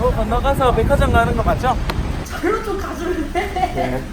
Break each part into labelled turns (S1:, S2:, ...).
S1: 건너가서 백화점 가는 거 맞죠?
S2: 별로 좀 가줄래?
S1: 네.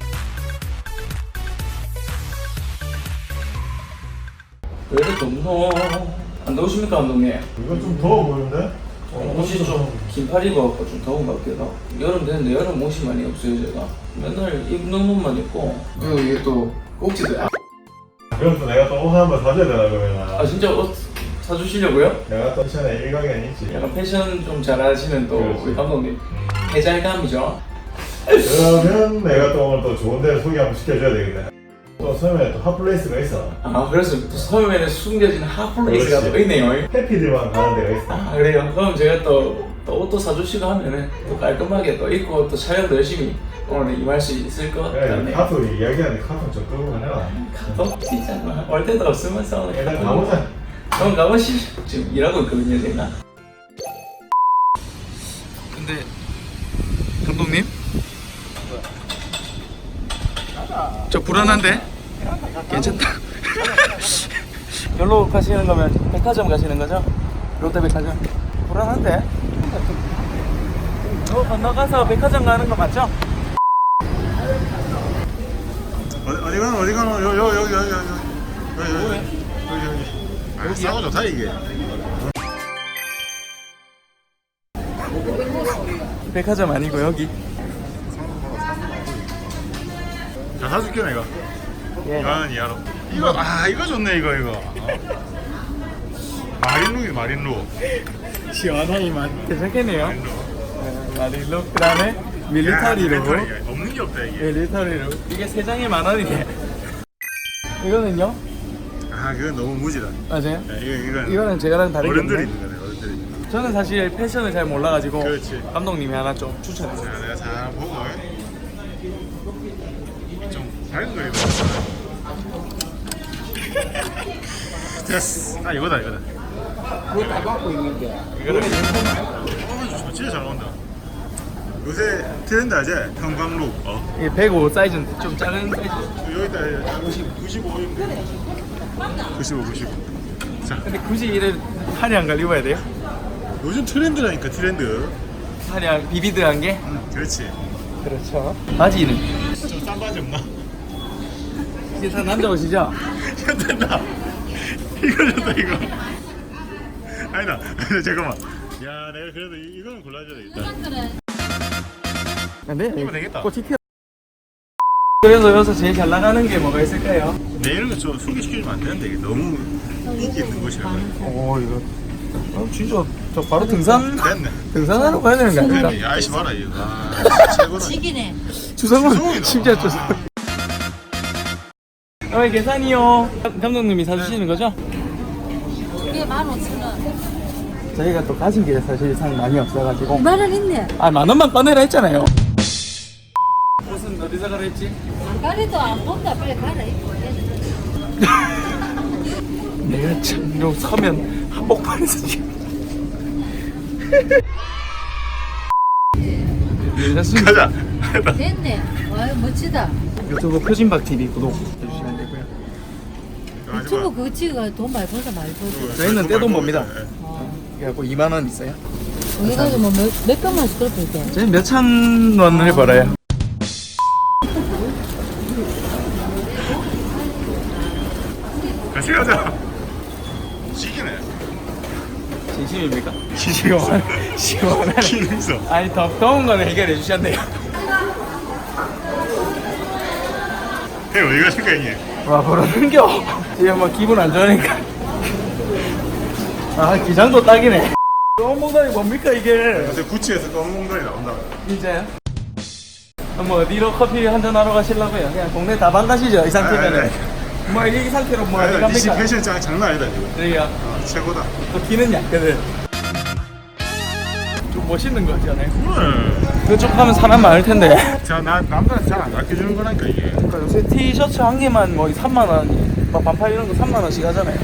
S1: 왜 이렇게 무서워? 안 더우십니까, 감독님?
S3: 이거 좀 더워 보이는데?
S1: 옷이 좀 긴팔 입어갖고 좀 더운 것 같기도 하고. 여름 되는데 여름 옷이 많이 없어요, 제가. 맨날 입는 옷만 입고. 그리고 이게 또 꼭지도.
S3: 그럼 또 내가 또 옷 한번 사줘야 되나 그러면.
S1: 아, 진짜 옷 사주시려고요?
S3: 내가 또 패션에 일가견이 있지.
S1: 약간 패션 좀 잘하시는 또
S3: 그렇지.
S1: 우리 감독님. 해잘감이죠?
S3: 그러면 내가 또 오늘 또 좋은 데를 소개 한번 시켜줘야 되겠네. 또 섬에 또 핫플레이스가 있어.
S1: 아, 그래서 또 섬에는 숨겨진 핫플레이스가 또
S3: 그렇지.
S1: 있네요.
S3: 해피들만 가는 데가 있어.
S1: 아, 그래요? 그럼 제가 또 옷도 사주시고 하면은 또 깔끔하게 또 입고 또 촬영도 열심히 오늘 임할 수 있을 것
S3: 그래,
S1: 같네요.
S3: 카톡 이야기하는데 카톡 좀 끄고 해라.
S1: 카톡 진짜 올 데도 없으면서 오늘
S3: 일단
S1: 카톡.
S3: 가보자.
S1: 그럼 가보시죠. 지금 일하고 있거든요, 제가. 근데 감독님? 저 불안한데? 괜찮다. 여기로 가시는 거면 백화점 가시는 거죠? 롯데백화점. 불안한데? 건너가서 백화점 가는 거 맞죠?
S3: 어디 가노? 여기. 아, 싸고 좋다 이게.
S1: 백화점 아니고 여기.
S3: 자, 사줄게 내가.
S1: 예.
S3: 이거는 이하로. 이거 좋네 이거. 마린룩.
S1: 시원하니 괜찮겠네요.
S3: 마린룩.
S1: 마릴로 그 다음에 밀리터리로.
S3: 없는 게 없다 이게.
S1: 밀리터리로. 이게 3장에 10,000원이네. 이거는요?
S3: 아, 그건 너무 무지다.
S1: 맞아요?
S3: 이거는
S1: 이거는 제가랑 다르게
S3: 어른들이
S1: 없네.
S3: 있는 거네, 어른들이.
S1: 저는 사실 패션을 잘 몰라가지고
S3: 그렇지.
S1: 감독님이 하나 좀 추천했어요.
S3: 자, 내가 잘 보고 좀 밝은 거 입어. 됐어. 아, 이거다.
S1: 그거 다 갖고 있는데.
S3: 이거는 진짜 잘 나온다. 요새 트렌드 하지? 형광룩.
S1: 이게 105 사이즈인데 좀 작은 사이즈.
S3: 여기다 95. 자,
S1: 근데 굳이 이를 화려한 걸 입어야 돼요?
S3: 요즘 트렌드라니까 트렌드.
S1: 화려한 비비드한 게?
S3: 그렇지.
S1: 그렇죠. 바지는?
S3: 좀 싼 바지 없나?
S1: 이게 다 남자 옷이죠?
S3: 됐다. 이거 좋다 이거. 아니다. 잠깐만. 야, 내가 그래도 이거는 골라줘야 되겠다.
S1: 근데
S3: 이거 되겠다.
S1: 꽃이 튀어. 그래서 여기서 제일 잘 나가는 게 뭐가 있을까요?
S3: 내 이런 거 좀 소개시켜주면 안 되는데 이게 너무 인기 있는 곳이야.
S1: 오 이거 진짜 저 바로 등산하러
S3: 됐네.
S1: 가야 되는 거 아닙니까?
S3: 야, 아이씨 봐라 이거. 아, 최고다.
S2: 지기네.
S1: 주성은
S3: 주성이다.
S1: 진짜 주성. 계산이요. 감독님이 사주시는 거죠?
S2: 이게 15,000원.
S1: 저희가 또 가진 게 사실상 많이 없어가지고
S2: 2만원 있네.
S1: 아 10,000원만 꺼내라 했잖아요. 옷은 어디서 가라 했지?
S2: 가리도 안 본다. 빨리 가라.
S1: 내가 참요 서면 한복판에서 지금 괜찮습니다.
S3: 가자.
S2: 됐네. 와, 멋지다.
S1: 유튜브 표진박 TV 구독해주시면 되고요.
S2: 유튜브 그거 찍어 돈 많이 벌다 많이 벌다.
S1: 저희는 떼돈 법니다.
S2: 어.
S1: 그래갖고 20,000원 있어요.
S2: 거기 가서 뭐몇 병만씩 끌고 있대.
S1: 저희 몇천 원을 벌어요.
S3: 같이 가자. 시기네.
S1: 진심입니까? 시원하네.
S3: 기능성.
S1: 아니 더운 거는 해결해 주셨네요.
S3: 형 어디 가실 거야 이게?
S1: 와 그러는겨. 지금 뭐 기분 안 좋으니까. 아 기장도 딱이네. 너무 몽다이 뭡니까 이게?
S3: 요새 구찌에서 검은 공간이 나온다.
S1: 진짜요? 뭐 어디로 커피 한잔 하러 가시려고요? 그냥 동네 다방 가시죠 이 상태면은. 뭐 이 상태로 뭐 어디
S3: 아니, 니씨
S1: 갑니까?
S3: 패션 짱 장난 아니다 지금.
S1: 저희가
S3: 최고다.
S1: 또 기는 약거든. 좀 멋있는 거 같잖아요.
S3: 그래.
S1: 그쪽 가면 사람 많을 텐데.
S3: 자, 나 남자한테 잘 안 아껴주는 거라니까 이게.
S1: 그러니까 요새 티셔츠 한 개만 뭐 3만 원, 막 반팔 이런 거 3만 원씩 하잖아요.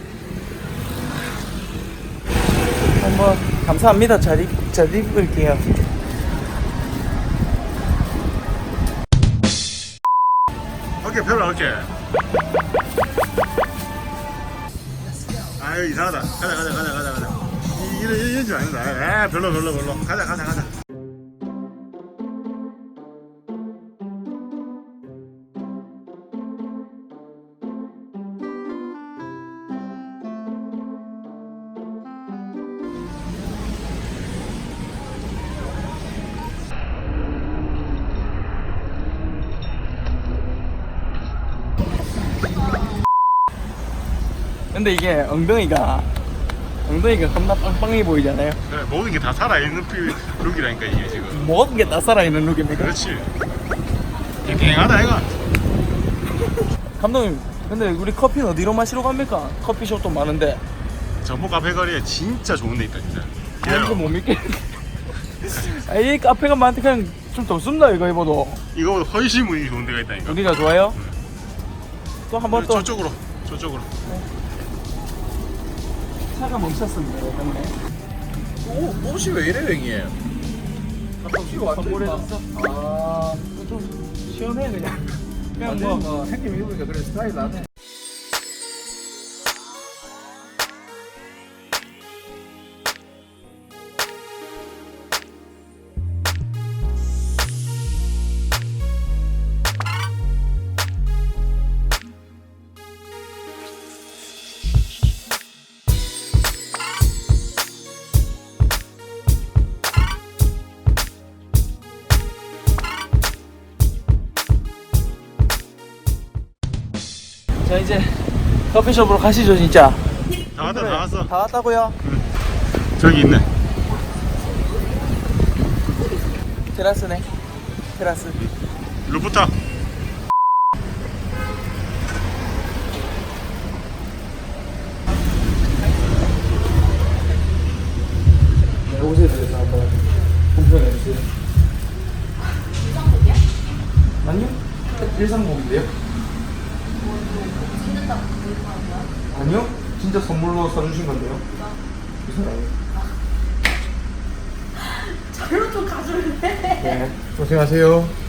S1: 뭐 감사합니다. 잘 입을게요.
S3: 오케이, 별로 오케이. 아유 이상하다. 가자. 이런 줄 아니다. 별로. 가자.
S1: 근데 이게 엉덩이가 겁나 빵빵해 보이잖아요.
S3: 그래, 모든 게 다 살아있는 룩이라니까 이게 지금.
S1: 모든 게 다 살아있는 룩입니까?
S3: 그렇지. 깽깽하다 이거.
S1: 감독님, 근데 우리 커피는 어디로 마시러 갑니까? 커피숍도 많은데.
S3: 전복 카페 거리에 진짜 좋은 데 있다 진짜.
S1: 이거 못 믿겠네. 아, 이 카페가 많대 그냥 좀 덥습니다 이거 입어도.
S3: 이거보다 훨씬 분위기 좋은 데가 있다니까.
S1: 여기가 좋아요? 또 한 번 또
S3: 저쪽으로.
S1: 차가 멈췄습니다. 이거 때문에.
S4: 오, 옷이 왜 이래 형님? 옷이 완전
S1: 선물해줬어? 아, 좀 시원해 그냥. 그냥 뭐
S4: 형님 입으니까 그래 스타일 나네.
S1: 자 이제 커피숍으로 가시죠 진짜.
S3: 다 왔어.
S1: 다 왔다고요?
S3: 저기 있네.
S1: 테라스네. 테라스.
S3: 루프탑.
S1: 네, 옷에 대해서 한번 공평해 주세요. 일상복이야? 아니요. 일상복인데요? 아니요. 진짜 선물로 사주신 건데요. 이상해요.
S2: 절로 좀 가줄래?
S1: 네. 고생하세요.